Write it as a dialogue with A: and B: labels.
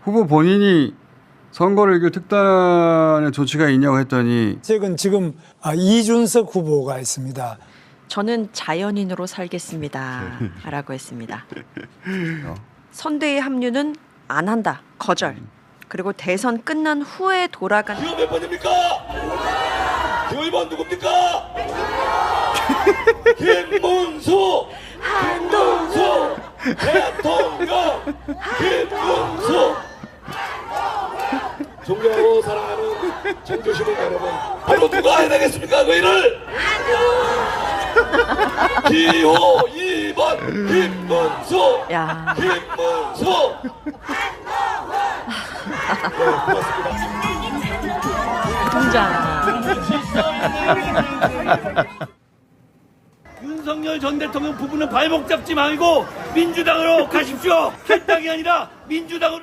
A: 후보 본인이 선거를 이길 특단의 조치가 있냐고 했더니
B: 지금 이준석 후보가 있습니다.
C: 저는 자연인으로 살겠습니다. 라고 했습니다. 선대위 합류는 안 한다. 거절. 그리고 대선 끝난 후에 돌아간
D: 기호 몇 번입니까? 기호 1번 누굽니까? 김문수! 김문수! 대통령! 김문수! 존경하고 사랑하는 청주시민 여러분, 바로 누가 해내겠습니까 그 일을? 기호 2번 김문수!
C: 야.
D: 김문수!
C: 등장.
D: 윤석열 전 대통령 부부는 발목 잡지 말고 민주당으로 가십시오. 캔 땅이 아니라 민주당으로.